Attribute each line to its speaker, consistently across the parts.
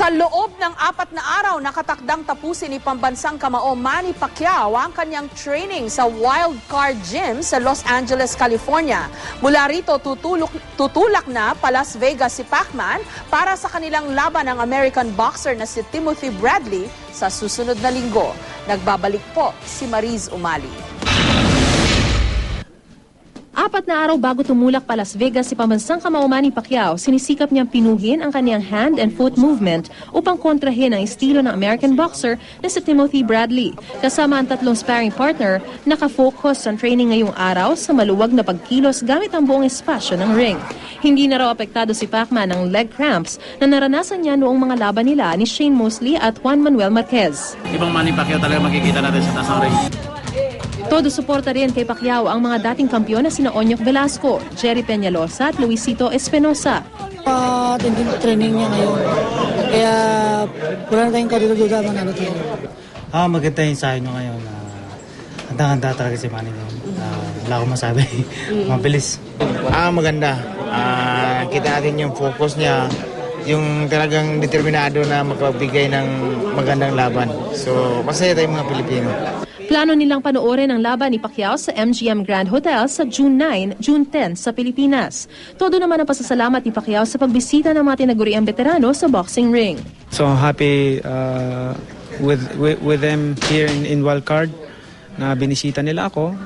Speaker 1: Sa loob ng 4 na araw, nakatakdang tapusin ni pambansang kamao Manny Pacquiao ang kanyang training sa Wild Card Gym sa Los Angeles, California. Mula rito, tutulak na pa Las Vegas si Pacman para sa kanilang laban ng American boxer na si Timothy Bradley sa susunod na linggo. Nagbabalik po si Mariz Umali.
Speaker 2: 4 na araw bago tumulak pa Las Vegas si pambansang kamao Manny Pacquiao, sinisikap niyang pinuhin ang kanyang hand and foot movement upang kontrahin ang estilo ng American boxer na si Timothy Bradley. Kasama ang 3 sparring partner, nakafocus ang training ngayong araw sa maluwag na pagkilos gamit ang buong espasyo ng ring. Hindi na raw apektado si Pacman ng leg cramps na naranasan niya noong mga laban nila ni Shane Mosley at Juan Manuel Marquez.
Speaker 3: Ibang Manny Pacquiao talaga makikita natin sa taas ng ring.
Speaker 2: Todo suporta rin kay Pacquiao ang mga dating kampiyon na sina Onyok Velasco, Jerry Peñalosa at Luisito Espinosa.
Speaker 4: Tinding training niya ngayon. Kaya wala na tayong kadududa manalo tayo.
Speaker 5: Maganda yung sayo nyo ngayon. Handa-handa talaga si Manny ngayon. Wala akong masabi. Mabilis.
Speaker 6: Maganda. Kita natin yung focus niya. Yung talagang determinado na makapagbigay ng magandang laban. So, masaya tayong mga Pilipino.
Speaker 2: Plano nilang panoorin ang laban ni Pacquiao sa MGM Grand Hotel sa June 9, June 10 sa Pilipinas. Todo naman ang pasasalamat ni Pacquiao sa pagbisita ng mga tinaguriang veterano sa boxing ring.
Speaker 7: So happy with them here in Wild Card na binisita nila ako.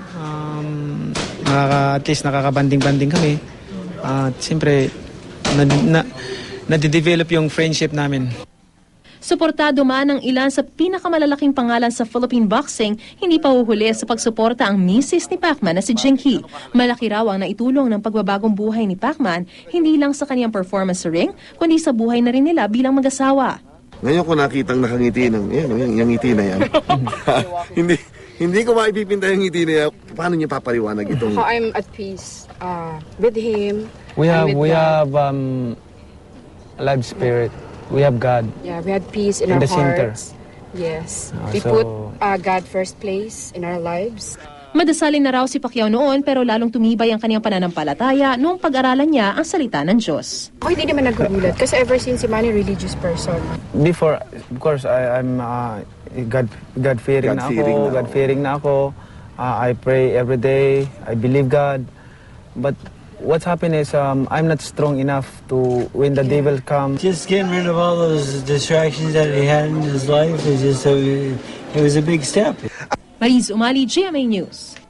Speaker 7: At least nakakabanding-banding kami. At siyempre, nade-develop yung friendship namin.
Speaker 2: Suportado man ng ilan sa pinakamalalaking pangalan sa Philippine boxing, hindi pa huhuli sa pagsuporta ang misis ni Pacman na si Jinky. Malaki raw ang naitulong ng pagbabagong buhay ni Pacman, hindi lang sa kanyang performance sa ring, kundi sa buhay na rin nila bilang mag-asawa.
Speaker 8: Ngayon ko nakitang nakangiti ng yung ngiti na yan. hindi ko maipipinta yung ngiti na yan. Paano niya papaliwanag itong...
Speaker 9: I'm at peace with him.
Speaker 7: We have live spirit. We have God.
Speaker 9: Yeah, we had peace in our
Speaker 7: center.
Speaker 9: hearts. Yes. We put God first place in our lives.
Speaker 2: Madasalin na raw si Pacquiao noon pero lalong tumibay ang kanyang pananampalataya noong pag-aralan niya ang salita ng Diyos.
Speaker 9: Ako hindi naman nagugulat kasi ever since si Manny religious person.
Speaker 7: Before, of course, I'm God-fearing na ako. God-fearing na ako. I pray every day. I believe God. But what's happened is I'm not strong enough to when the devil comes.
Speaker 5: Just getting rid of all those distractions that he had in his life is just it was a big step.
Speaker 2: Mariz Umali, GMA News.